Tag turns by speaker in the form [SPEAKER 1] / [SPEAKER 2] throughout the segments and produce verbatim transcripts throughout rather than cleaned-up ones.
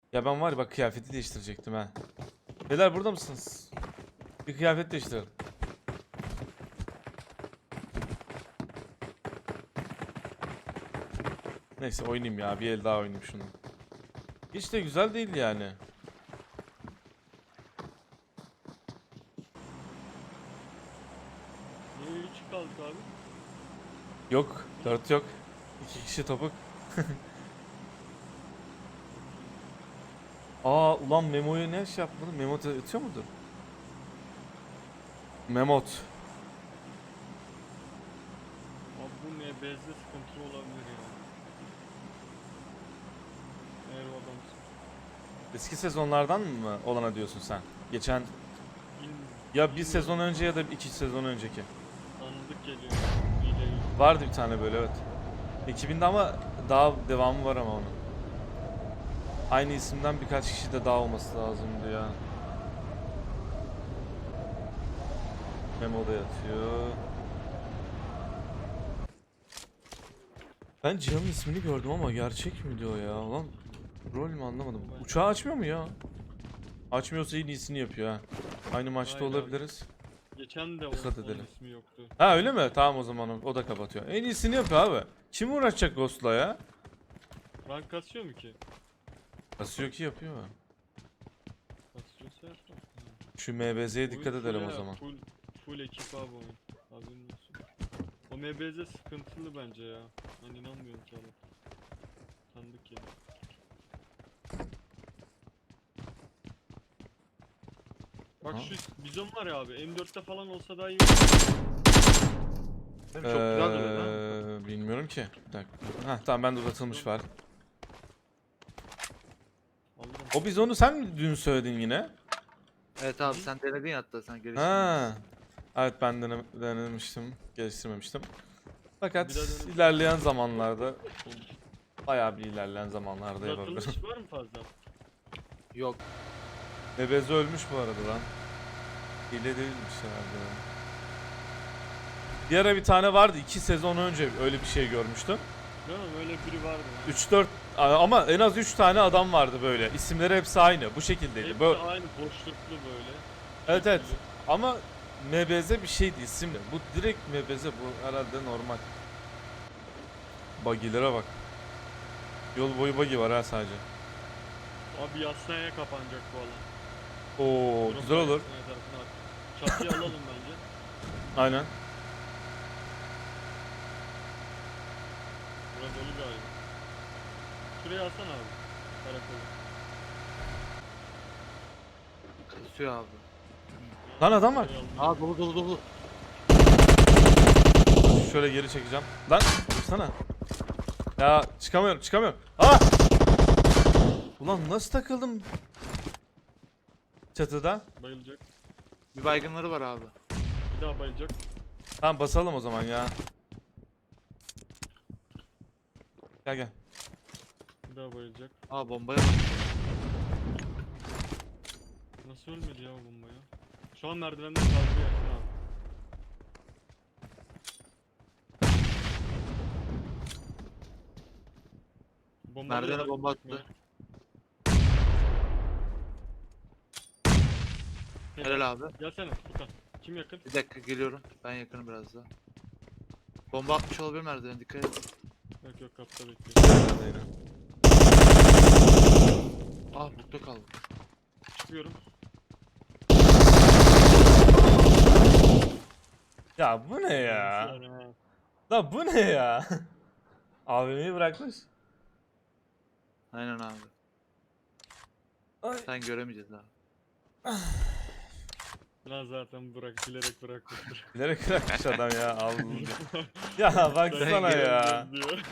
[SPEAKER 1] Ya ben var ya bak kıyafeti değiştirecektim ha. Beyler burada mısınız? Bir kıyafet değiştirelim. Neyse oynayayım ya. Bir el daha oynayayım şunu. Hiç de güzel değil yani.
[SPEAKER 2] Niye üç kaldık abi?
[SPEAKER 1] Yok. Dört yok. İki kişi topuk. Aa ulan Memo'yu ne şey yapmadı? Memo atıyor mudur? Memot.
[SPEAKER 2] Abi bu ne bezde sıkıntı olabilir ya. Eğer o adamsın.
[SPEAKER 1] Eski sezonlardan mı olana diyorsun sen? Geçen
[SPEAKER 2] Bilmiyorum.
[SPEAKER 1] ya bir sezon önce ya da iki sezon önceki.
[SPEAKER 2] Tanıdık geliyor. Hileyi.
[SPEAKER 1] Vardı bir tane böyle evet. iki binde ama daha devamı var ama onun. Aynı isimden birkaç kişi de daha olması lazımdı ya. Memo da yatıyor. Ben Cihan'ın ismini gördüm ama gerçek mi diyor ya lan. Rol mü anlamadım. Uçağı açmıyor mu ya? Açmıyorsa en iyisini yapıyor ha. Aynı maçta
[SPEAKER 2] Aynen.
[SPEAKER 1] olabiliriz.
[SPEAKER 2] Geçen de o,
[SPEAKER 1] Dikkat
[SPEAKER 2] onun
[SPEAKER 1] edelim.
[SPEAKER 2] ismi yoktu.
[SPEAKER 1] Ha öyle mi? Tamam o zaman o, o da kapatıyor. En iyisini yapıyor abi. Kim uğraşacak Ghost'la ya?
[SPEAKER 2] Rank kasıyor mu ki?
[SPEAKER 1] Kasıyor ki yapıyor.
[SPEAKER 2] Kasıyorsa yapar.
[SPEAKER 1] Şu M B Z'ye dikkat
[SPEAKER 2] Oyun
[SPEAKER 1] edelim
[SPEAKER 2] full
[SPEAKER 1] o
[SPEAKER 2] ya,
[SPEAKER 1] zaman.
[SPEAKER 2] Full, full ekip abi oyun. Haberin olsun. O M B Z sıkıntılı bence ya. Ben inanmıyorum ki abi. Tanıdık ya. Bak
[SPEAKER 1] Ha?
[SPEAKER 2] şu bizon var ya abi. M dörtte falan olsa daha iyi.
[SPEAKER 3] Çok güzel duruyor lan.
[SPEAKER 1] Ee, bilmiyorum ki. Bir dakika. Heh, tamam bende uzatılmış var.
[SPEAKER 2] Alırım.
[SPEAKER 1] O biz onu sen mi dün söyledin yine?
[SPEAKER 3] Evet abi sen denedin ya hatta sen geliştirdin.
[SPEAKER 1] Ha. Evet ben dene denemiştim, geliştirmemiştim. Fakat
[SPEAKER 2] Bir daha dene-
[SPEAKER 1] ilerleyen zamanlarda bayağı bir ilerleyen zamanlarda
[SPEAKER 2] Uzatılmış
[SPEAKER 1] yapabilirim.
[SPEAKER 2] var mı fazla?
[SPEAKER 3] Yok.
[SPEAKER 1] Nebeze ölmüş bu arada lan. Hile değilmiş herhalde. Bir ara bir tane vardı iki sezon önce öyle bir şey görmüştüm.
[SPEAKER 2] Değil mi? Öyle biri vardı. ha.
[SPEAKER 1] üç dört ama en az üç tane adam vardı böyle. İsimleri hepsi aynı. Bu şekildeydi.
[SPEAKER 2] Hepsi
[SPEAKER 1] Böyle,
[SPEAKER 2] aynı boşluklu böyle.
[SPEAKER 1] evet evet.
[SPEAKER 2] Şekilli.
[SPEAKER 1] Ama M B Z bir şeydi isimli. Bu direkt M B Z bu herhalde normal. Buggy'lere bak. Yol boyu buggy var ha sadece.
[SPEAKER 2] Abi yasnaya kapanacak bu alan.
[SPEAKER 1] Oo
[SPEAKER 2] Drop
[SPEAKER 1] güzel olur.
[SPEAKER 2] yasnaya tarafına at. Çatıyı alalım bence.
[SPEAKER 1] Aynen.
[SPEAKER 2] Burası dolu galiba. Şuraya alsana abi. Karakolu.
[SPEAKER 3] Kasıyor abi.
[SPEAKER 1] Lan adam var.
[SPEAKER 2] Şuraya alalım.
[SPEAKER 3] Aa dolu dolu dolu.
[SPEAKER 1] Şöyle geri çekeceğim. Lan dursana. Ya çıkamıyorum çıkamıyorum. Ah! Ulan nasıl takıldım? Çatıda.
[SPEAKER 2] Bayılacak.
[SPEAKER 3] Bir baygınları var abi.
[SPEAKER 2] Bir daha bayılacak.
[SPEAKER 1] Tamam basalım o zaman ya. Gel gel.
[SPEAKER 2] Bir daha bayılacak.
[SPEAKER 3] Aa bombaya bak.
[SPEAKER 2] Nasıl ölmedi ya o bomba ya? Şu an merdivenden kaldırıyor Ersin abi. Bomba
[SPEAKER 3] Merdivene bomba attı. Helal abi.
[SPEAKER 2] Gelsene Furkan. Kim yakın?
[SPEAKER 3] Bir dakika geliyorum. Ben yakınım biraz daha. Bomba atmış olabilir merdivene dikkat et.
[SPEAKER 2] Yok yok kapta bekliyor.
[SPEAKER 1] Nerede yine?
[SPEAKER 3] Ah burada kaldı.
[SPEAKER 2] Çıkıyorum.
[SPEAKER 1] Ya bu ne ya?
[SPEAKER 2] Yani ha.
[SPEAKER 1] Lan bu ne ya? A V M'yi bırakmış.
[SPEAKER 3] Aynen abi.
[SPEAKER 1] Ay.
[SPEAKER 3] Sen göremeyeceğiz abi.
[SPEAKER 2] Lan zaten bırak bilerek bırakmıştır.
[SPEAKER 1] Bilerek bırakmış adam ya. Allah'ım. Ya baksana ya.
[SPEAKER 2] Diyor.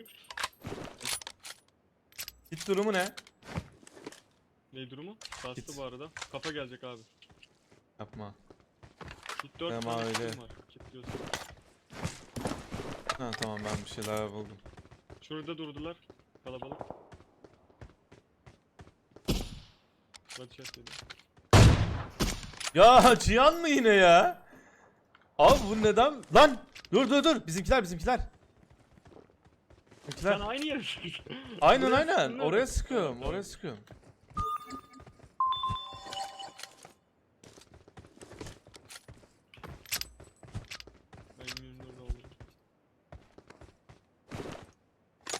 [SPEAKER 1] Hit durumu ne?
[SPEAKER 2] Ne durumu? Bastı
[SPEAKER 1] Git.
[SPEAKER 2] bu arada. Kafa gelecek abi.
[SPEAKER 1] Yapma.
[SPEAKER 2] Git dört
[SPEAKER 1] Tamam,
[SPEAKER 2] tane
[SPEAKER 1] öyle.
[SPEAKER 2] kitim var. Kilitliyorsun.
[SPEAKER 1] Ha tamam ben bir şeyler buldum.
[SPEAKER 2] Şurada durdular. Kalabalık. Headshot yedi.
[SPEAKER 1] Ya Cihan mı yine ya? Abi bu neden? Lan dur dur dur bizimkiler bizimkiler. Bizimkiler.
[SPEAKER 2] Sen aynı yere çıkıyorsun.
[SPEAKER 1] Aynen
[SPEAKER 2] Buraya
[SPEAKER 1] aynen
[SPEAKER 2] sıktın değil mi?
[SPEAKER 1] oraya sıkıyorum
[SPEAKER 2] Tamam,
[SPEAKER 1] oraya sıkıyorum.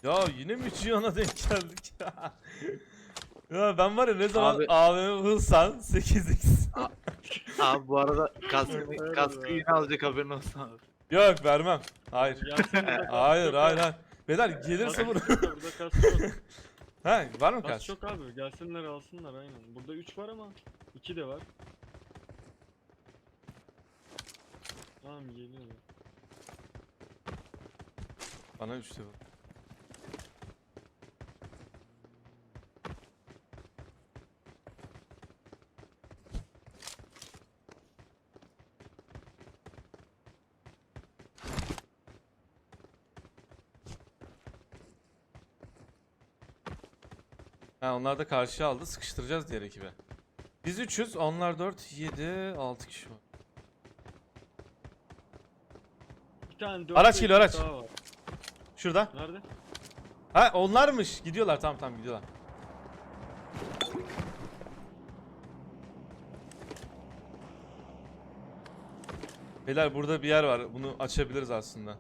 [SPEAKER 1] Ya yine mi Cihan'a denk geldik ya? Ya ben var ya ne zaman
[SPEAKER 3] Abi-
[SPEAKER 1] A V M hılsan sekiz x.
[SPEAKER 3] Abi bu arada kaskını,
[SPEAKER 2] Evet
[SPEAKER 3] kaskı
[SPEAKER 2] abi.
[SPEAKER 3] yine alacak, haberin olsun abi.
[SPEAKER 1] Yok vermem. Hayır.
[SPEAKER 2] Yasin burada kas
[SPEAKER 1] Hayır
[SPEAKER 2] çok
[SPEAKER 1] hayır
[SPEAKER 2] abi.
[SPEAKER 1] hayır. Beyler gelirse
[SPEAKER 2] Kas
[SPEAKER 1] vur.
[SPEAKER 2] yok da burada kas yok.
[SPEAKER 1] Ha var mı
[SPEAKER 2] Kas
[SPEAKER 1] kaç?
[SPEAKER 2] çok abi. Gelsinler alsınlar aynen. Burada üç var ama iki de var. Tamam geliyorlar.
[SPEAKER 1] Bana üçte vur. Ha onlar da karşıya aldı. Sıkıştıracağız diğer ekibe. Biz üçüz. Onlar dört, yedi, altı kişi var.
[SPEAKER 2] Bir tane dört
[SPEAKER 1] Araç
[SPEAKER 2] ve
[SPEAKER 1] geliyor,
[SPEAKER 2] iki
[SPEAKER 1] araç.
[SPEAKER 2] daha var.
[SPEAKER 1] Şurada.
[SPEAKER 2] Nerede?
[SPEAKER 1] Ha onlarmış. Gidiyorlar tamam tamam gidiyorlar. Beyler burada bir yer var. Bunu açabiliriz aslında.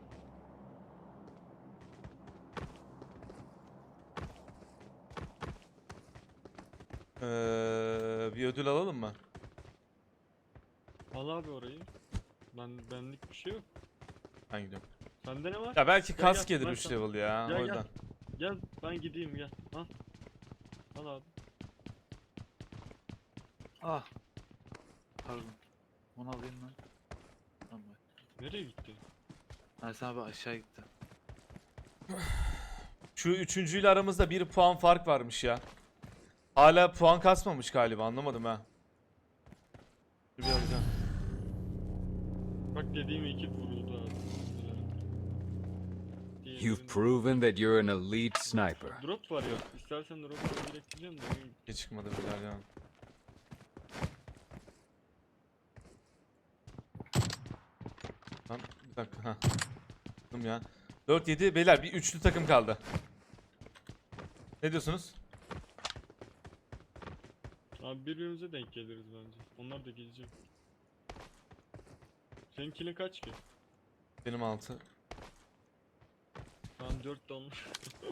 [SPEAKER 1] Ee, bir ödül alalım mı?
[SPEAKER 2] Al abi orayı. Ben benlik bir şey yok.
[SPEAKER 1] Ben gidiyorum.
[SPEAKER 2] Sende ne var?
[SPEAKER 1] Ya belki
[SPEAKER 2] Gel,
[SPEAKER 1] kask
[SPEAKER 2] gel,
[SPEAKER 1] gelir
[SPEAKER 2] ben
[SPEAKER 1] üç
[SPEAKER 2] sana-
[SPEAKER 1] level ya.
[SPEAKER 2] Gel,
[SPEAKER 1] O
[SPEAKER 2] gel.
[SPEAKER 1] yüzden.
[SPEAKER 2] Gel ben gideyim gel. Al. Al abi.
[SPEAKER 3] Ah. Pardon. Onu alayım lan. Tamam.
[SPEAKER 2] Nereye gitti?
[SPEAKER 3] Ersin abi aşağı gitti.
[SPEAKER 1] Şu üçüncüyle aramızda bir puan fark varmış ya. Hala puan kasmamış galiba anlamadım ha. Dur bir alacağım.
[SPEAKER 2] Bak dediğim ekip vuruldu abi. Diğerinin-
[SPEAKER 4] You've proven that you're an elite sniper.
[SPEAKER 2] Drop var ya. İstersen drop'u direkt diyeceğim de. benim-
[SPEAKER 1] Hiç çıkmadı beyler ya. Lan bir dakika ha. Tamam ya. dört yedi beyler bir üçlü takım kaldı. Ne diyorsunuz?
[SPEAKER 2] Abi birbirimize denk geliriz bence. Onlar da gelecek. Seninkinin kaç ki?
[SPEAKER 1] Benim altı.
[SPEAKER 2] Tamam dört de onlar.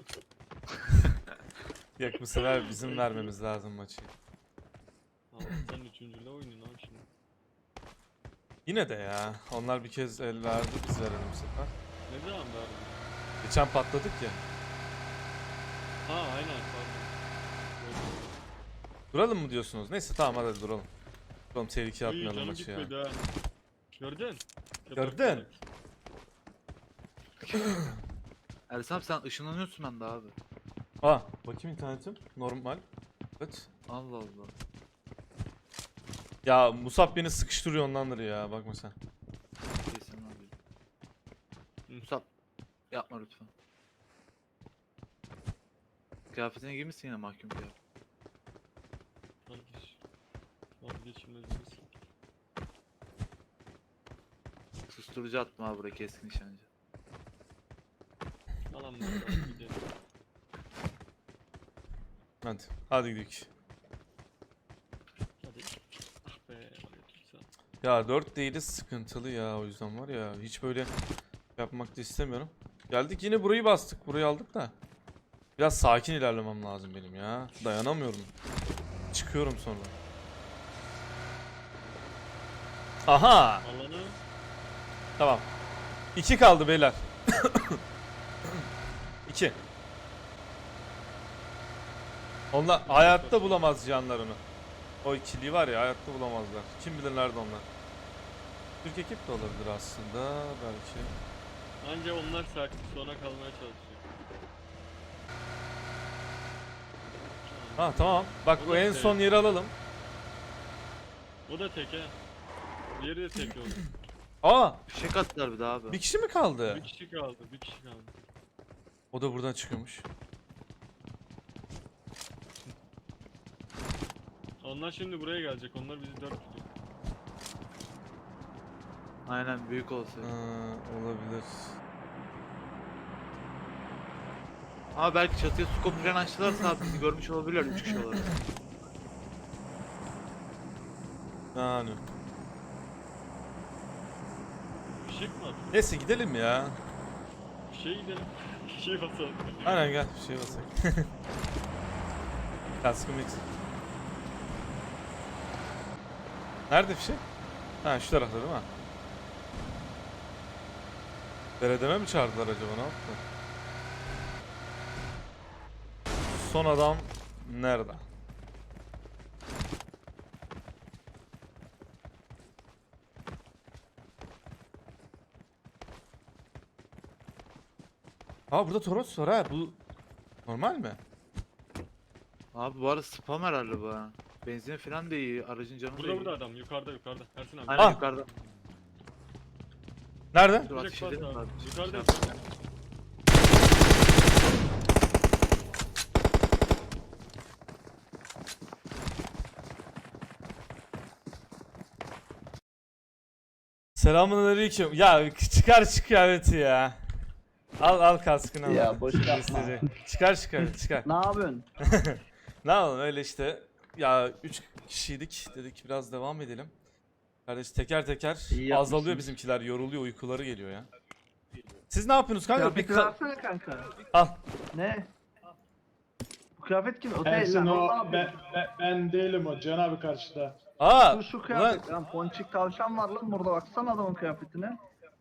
[SPEAKER 1] Yok bu sefer bizim vermemiz lazım maçı.
[SPEAKER 2] Allah'tan üçüncüyle oynayın abi şimdi.
[SPEAKER 1] Yine de ya. Onlar bir kez el verdi biz verelim bu sefer.
[SPEAKER 2] Ne zaman verdin?
[SPEAKER 1] Geçen patladık ya.
[SPEAKER 2] Ha aynen pardon.
[SPEAKER 1] Duralım mı diyorsunuz? Neyse tamam hadi duralım. Duralım tehlike
[SPEAKER 2] Uy,
[SPEAKER 1] atmayalım
[SPEAKER 2] canım
[SPEAKER 1] maçı ya.
[SPEAKER 2] gitmedi ha. Gördün?
[SPEAKER 1] Gördün.
[SPEAKER 3] Ersin abi sen ışınlanıyorsun bende abi.
[SPEAKER 1] Aa bakayım internetim. Normal. Evet.
[SPEAKER 3] Allah Allah.
[SPEAKER 1] Ya Musab beni sıkıştırıyor ondandır ya bakma sen.
[SPEAKER 3] Kesin abi. Musab. Yapma lütfen. Kıyafetine giymişsin yine mahkum kıyafet.
[SPEAKER 2] Kardeş. Vazgeçilmezimiz.
[SPEAKER 3] Susturucu attım abi buraya, keskin nişancı.
[SPEAKER 2] Alan var abi gidelim.
[SPEAKER 1] Hadi. Hadi gidelim.
[SPEAKER 2] Hadi. Ah be. aleykümselam.
[SPEAKER 1] Ya dört değiliz sıkıntılı ya o yüzden var ya hiç böyle yapmak da istemiyorum. Geldik yine burayı bastık burayı aldık da. Biraz sakin ilerlemem lazım benim ya. Dayanamıyorum. Çıkıyorum sonra. Aha!
[SPEAKER 2] Alanı
[SPEAKER 1] Tamam. İki kaldı beyler. İki. Onlar hayatta bulamaz canlarını. O ikiliyi var ya hayatta bulamazlar. Kim bilir nerede onlar. Türk ekip de olabilir aslında belki.
[SPEAKER 2] anca onlar sakin sona kalmaya çalışıyor.
[SPEAKER 1] Ha tamam. Bak
[SPEAKER 2] O
[SPEAKER 1] bu
[SPEAKER 2] da
[SPEAKER 1] en
[SPEAKER 2] şey-
[SPEAKER 1] son yeri alalım.
[SPEAKER 2] O da tek he. Diğeri de tek oldu.
[SPEAKER 1] Aa!
[SPEAKER 3] Fişek attılar bir daha abi.
[SPEAKER 1] Bir kişi mi kaldı?
[SPEAKER 2] Bir kişi kaldı, bir kişi kaldı.
[SPEAKER 1] O da buradan çıkıyormuş.
[SPEAKER 2] Onlar şimdi buraya gelecek. Onlar bizi dört tutuyor.
[SPEAKER 3] Aynen, büyük olsaydı.
[SPEAKER 1] Ha, olabilir.
[SPEAKER 3] Ama belki çatıya su kopu falan açtılarsa abi bizi görmüş olabilirler üç kişi olarak.
[SPEAKER 1] Yani.
[SPEAKER 2] Fişek mi atıyor?
[SPEAKER 1] Neyse gidelim ya.
[SPEAKER 2] Fişeğe gidelim. Şey basalım.
[SPEAKER 1] Aynen gel bir şey basak. Kaskım eksik. Nerede fişek? Ha şu tarafta değil mi? Beledeme mi çağırdılar acaba, ne yaptı? Son adam nerede? Aa burada Toros var ha, bu normal mi?
[SPEAKER 3] Abi bu arada spam herhalde bu ha. Benzin falan da iyi. Aracın canı da
[SPEAKER 2] Burada
[SPEAKER 3] iyi.
[SPEAKER 2] burada adam yukarıda yukarıda. Ersin abi.
[SPEAKER 3] Aynen
[SPEAKER 1] Ah!
[SPEAKER 3] yukarıda.
[SPEAKER 1] Nerede?
[SPEAKER 3] Dur
[SPEAKER 2] Direkt
[SPEAKER 3] ateş
[SPEAKER 2] bas
[SPEAKER 3] edelim
[SPEAKER 2] abi.
[SPEAKER 3] abi.
[SPEAKER 2] Yukarıda
[SPEAKER 3] Şey
[SPEAKER 2] yukarıda.
[SPEAKER 1] Selamünaleyküm. Ya çıkar şu kıyafeti ya. Al al kaskını al.
[SPEAKER 5] Ya boş yapma.
[SPEAKER 1] Gösterici. Çıkar şu kıyafeti çıkar.
[SPEAKER 5] Ne yapıyorsun?
[SPEAKER 1] Ne yapalım öyle işte. Ya üç kişiydik, dedik biraz devam edelim. Kardeş teker teker
[SPEAKER 5] İyi
[SPEAKER 1] azalıyor
[SPEAKER 5] yapmışsınız.
[SPEAKER 1] bizimkiler, yoruluyor, uykuları geliyor ya. Siz ne yapıyorsunuz kanka? Bir
[SPEAKER 5] Kıyafeti
[SPEAKER 1] ka-
[SPEAKER 5] versene kanka.
[SPEAKER 1] al.
[SPEAKER 5] Ne? Bu kıyafet kim? O değil
[SPEAKER 6] Ersin
[SPEAKER 5] lan.
[SPEAKER 6] o
[SPEAKER 5] O
[SPEAKER 6] ben, ben, ben değilim o Can abi karşıda.
[SPEAKER 1] Aa.
[SPEAKER 5] Şu, şu
[SPEAKER 1] Ulan,
[SPEAKER 5] kıyafet. Lan ponçik tavşan var lan burada, baksana adamın kıyafetine.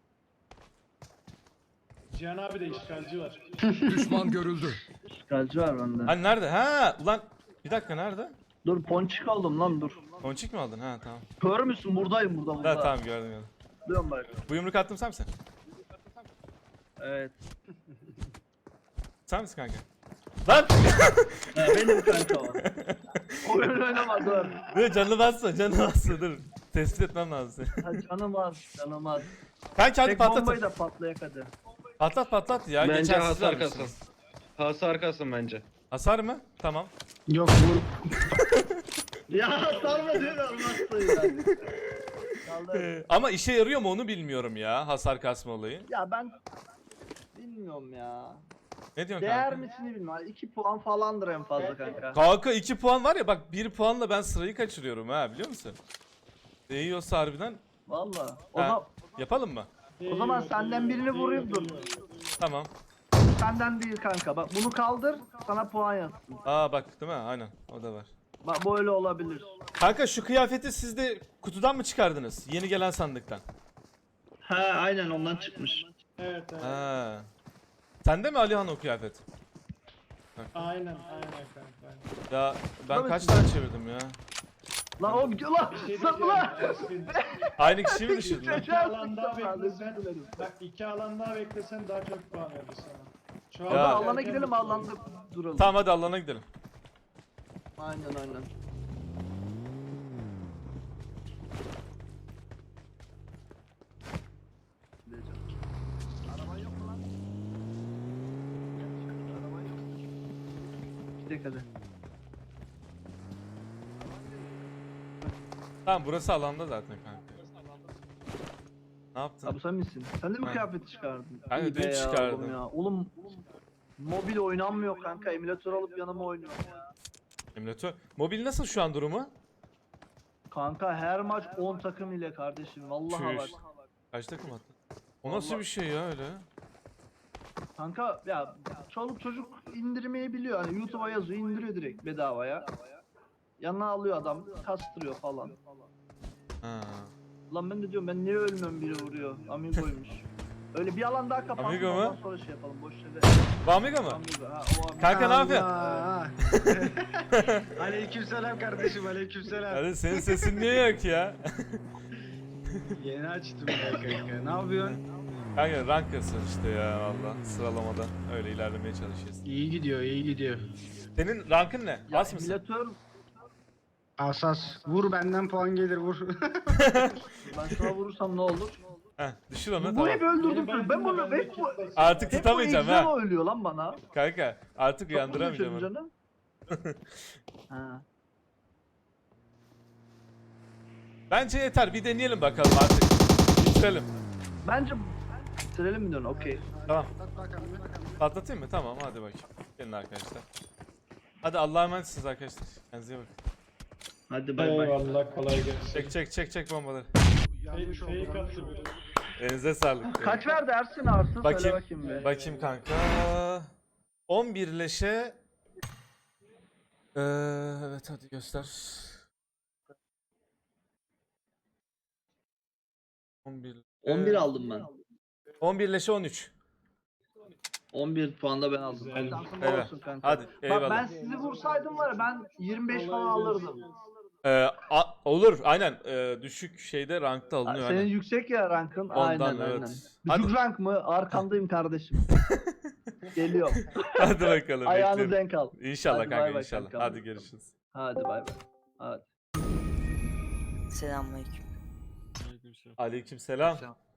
[SPEAKER 6] Cihan abi de işgalci var.
[SPEAKER 4] Düşman görüldü.
[SPEAKER 5] Şikalci var bende.
[SPEAKER 1] hani nerede? Ha, ulan bir dakika nerede?
[SPEAKER 5] Dur ponçik aldım lan dur.
[SPEAKER 1] Ponçik mi aldın? Ha tamam.
[SPEAKER 5] Kör müsün? Buradayım burada burada.
[SPEAKER 1] Ha tamam gördüm gördüm.
[SPEAKER 5] Dön bak.
[SPEAKER 1] Bu yumruk attım sen misin?
[SPEAKER 5] Evet.
[SPEAKER 1] Sen misin kanka? Lan!
[SPEAKER 5] Ha, benim kanka o. Oyun oynama dur.
[SPEAKER 1] Dur canını basma, canını basma dur. Tespit etmem lazım seni.
[SPEAKER 5] Ha, canım az, canım az.
[SPEAKER 1] Kanka hadi
[SPEAKER 5] Tek
[SPEAKER 1] patlat.
[SPEAKER 5] bombayı da patlayak hadi.
[SPEAKER 1] Patlat patlat ya.
[SPEAKER 7] Bence
[SPEAKER 1] Geçen siz
[SPEAKER 7] hasar
[SPEAKER 1] vermişsiniz.
[SPEAKER 7] kasın. Hasar kasın bence.
[SPEAKER 1] Hasar mı? Tamam.
[SPEAKER 6] Yok vur.
[SPEAKER 5] Ya salma diyor olmazsın ya. Kaldı.
[SPEAKER 1] Ee, ama işe yarıyor mu onu bilmiyorum ya, hasar kasma olayı.
[SPEAKER 5] Ya ben bilmiyorum ya.
[SPEAKER 1] Ne diyorsun
[SPEAKER 5] Değer
[SPEAKER 1] kanka?
[SPEAKER 5] misini bilmem. iki puan falandır en fazla kanka.
[SPEAKER 1] Kanka iki puan var ya, bak bir puanla ben sırayı kaçırıyorum ha, biliyor musun? Değiyorsa harbiden
[SPEAKER 5] Valla. O,
[SPEAKER 1] Ha.
[SPEAKER 5] zaman
[SPEAKER 1] yapalım mı?
[SPEAKER 5] o zaman senden birini vurayım dur.
[SPEAKER 1] Tamam.
[SPEAKER 5] Senden değil kanka. Bak bunu kaldır, sana puan yazsın.
[SPEAKER 1] Aa bak değil mi? Aynen o da var.
[SPEAKER 5] Bak böyle olabilir.
[SPEAKER 1] Kanka şu kıyafeti siz de kutudan mı çıkardınız? Yeni gelen sandıktan.
[SPEAKER 5] Ha aynen ondan çıkmış.
[SPEAKER 6] Evet evet.
[SPEAKER 1] Ha. Sende mi Alihan o kıyafet?
[SPEAKER 6] Aynen aynen kanka.
[SPEAKER 1] Ya ben
[SPEAKER 5] Tabii
[SPEAKER 1] kaç
[SPEAKER 5] ki.
[SPEAKER 1] tane çevirdim ya?
[SPEAKER 5] Lan o gidiyor lan.
[SPEAKER 6] Bir şey
[SPEAKER 5] Sen
[SPEAKER 6] diyeceğim
[SPEAKER 5] lan.
[SPEAKER 6] Ersin.
[SPEAKER 1] Aynı kişiyi mi düşürdün lan?
[SPEAKER 6] İki alan daha
[SPEAKER 5] Özür
[SPEAKER 6] beklesen.
[SPEAKER 5] dilerim.
[SPEAKER 6] Bak iki alan daha beklesen daha çok puan verir sana. Şu
[SPEAKER 1] Ya.
[SPEAKER 5] Hadi
[SPEAKER 6] anda
[SPEAKER 5] alana
[SPEAKER 6] erken
[SPEAKER 5] gidelim,
[SPEAKER 6] bitiyor.
[SPEAKER 5] alanda duralım.
[SPEAKER 1] Tamam hadi Allah'ına gidelim.
[SPEAKER 5] Aynen aynen. Araban yok mu lan? Araban yok. Gidelim hadi.
[SPEAKER 1] Tamam burası alanda zaten kanka. Ne yaptın?
[SPEAKER 5] Ha bu sen misin? Sen de mi
[SPEAKER 1] Ben.
[SPEAKER 5] kıyafeti çıkardın?
[SPEAKER 1] Ben de
[SPEAKER 5] İyi
[SPEAKER 1] dün
[SPEAKER 5] be ya
[SPEAKER 1] çıkardım.
[SPEAKER 5] Oğlum, ya. Oğlum, mobil oynanmıyor kanka. Emülatör alıp yanıma oynuyorum ya.
[SPEAKER 1] Emülatör. Mobil nasıl şu an durumu?
[SPEAKER 5] Kanka her maç on takım ile kardeşim. Vallahi bak.
[SPEAKER 1] Çüş. Kaç takım attın? O nasıl
[SPEAKER 5] Vallahi-
[SPEAKER 1] bir şey ya öyle?
[SPEAKER 5] Kanka ya çoluk çocuk indirmeyi biliyor. Hani YouTube'a yazıyor, indiriyor direkt bedavaya. Yanına alıyor adam, kastırıyor falan.
[SPEAKER 1] Ha.
[SPEAKER 5] Lan ben de diyorum, ben niye ölmüyorum, biri vuruyor. Amigo'ymuş. Öyle bir alan daha kapansın,
[SPEAKER 1] Amigo mu?
[SPEAKER 5] ondan sonra şey yapalım, boş yere.
[SPEAKER 1] Bu Amiga mı?
[SPEAKER 5] Amigo, ha, o Amigo.
[SPEAKER 1] Kanka ne yapıyorsun?
[SPEAKER 7] Aleykümselam kardeşim, aleykümselam.
[SPEAKER 1] Hadi senin sesin niye yok ya?
[SPEAKER 7] Yeni açtım ya kanka. Ne yapıyorsun?
[SPEAKER 1] Kanka rank kasıyorsun işte ya valla, sıralamada öyle ilerlemeye çalışıyoruz.
[SPEAKER 7] İyi gidiyor, iyi gidiyor.
[SPEAKER 1] Senin rankın ne?
[SPEAKER 5] Ya
[SPEAKER 1] As mısın?
[SPEAKER 5] emülatör,
[SPEAKER 7] Asas. Vur benden puan gelir vur.
[SPEAKER 5] ben sana vurursam ne olur?
[SPEAKER 1] Heh, düşür onu
[SPEAKER 5] Bu
[SPEAKER 1] tamam.
[SPEAKER 5] hep öldürdüm
[SPEAKER 6] Beni
[SPEAKER 5] seni. Ben bunu
[SPEAKER 6] benden
[SPEAKER 5] hep bu...
[SPEAKER 6] de
[SPEAKER 1] Artık
[SPEAKER 5] Hep bu
[SPEAKER 1] tutamayacağım ha.
[SPEAKER 5] egzola ölüyor lan bana.
[SPEAKER 1] Kanka artık
[SPEAKER 5] Çok mu
[SPEAKER 1] uyandıramayacağım
[SPEAKER 5] geçiyorum
[SPEAKER 1] onu.
[SPEAKER 5] canım? Ha.
[SPEAKER 1] Bence yeter, bir deneyelim bakalım artık. Bitirelim.
[SPEAKER 5] Bence bitirelim mi diyorsun? Okey.
[SPEAKER 1] Tamam. Patlatayım mı? Tamam hadi bakayım. Gelin arkadaşlar. Hadi Allah'a emanetsiniz arkadaşlar. Kendinize iyi bakın.
[SPEAKER 5] Hadi bay bay.
[SPEAKER 6] Eyvallah kolay gelsin.
[SPEAKER 1] Çek çek çek çek bombaları.
[SPEAKER 6] Fake, fake attı biri.
[SPEAKER 1] Elinize sağlık.
[SPEAKER 5] Kaç verdi Ersin Arsın? Söyle
[SPEAKER 1] Bakayım.
[SPEAKER 5] bakayım bir.
[SPEAKER 1] Bakayım kanka. on bir leşe. Ee, evet hadi göster. on bir.
[SPEAKER 5] on bir aldım ben.
[SPEAKER 1] on bir leşe on üç.
[SPEAKER 5] on bir puan da ben aldım.
[SPEAKER 6] Güzel.
[SPEAKER 5] Şansın
[SPEAKER 1] Evet.
[SPEAKER 5] olsun kanka.
[SPEAKER 1] Hadi
[SPEAKER 5] Bak
[SPEAKER 1] eyvallah.
[SPEAKER 5] ben sizi vursaydım var ya ben yirmi beş falan alırdım.
[SPEAKER 1] Ee, a- olur aynen. Ee, düşük şeyde rankta alınıyor
[SPEAKER 5] Senin
[SPEAKER 1] aynen.
[SPEAKER 5] yüksek ya rankın.
[SPEAKER 1] Ondan
[SPEAKER 5] aynen
[SPEAKER 1] evet.
[SPEAKER 5] aynen.
[SPEAKER 1] Hadi,
[SPEAKER 5] Düşük rank mı? Arkandayım kardeşim. Geliyorum.
[SPEAKER 1] hadi bakalım.
[SPEAKER 5] Ayağını
[SPEAKER 1] bekliyorum.
[SPEAKER 5] denk al.
[SPEAKER 1] İnşallah
[SPEAKER 5] Hadi bay
[SPEAKER 1] kanka
[SPEAKER 5] bay
[SPEAKER 1] inşallah.
[SPEAKER 5] kankam.
[SPEAKER 1] Hadi görüşürüz.
[SPEAKER 5] Hadi bay bay. Hadi.
[SPEAKER 8] Selamünaleyküm.
[SPEAKER 2] Aleykümselam.
[SPEAKER 1] Aleykümselam.
[SPEAKER 3] Selam.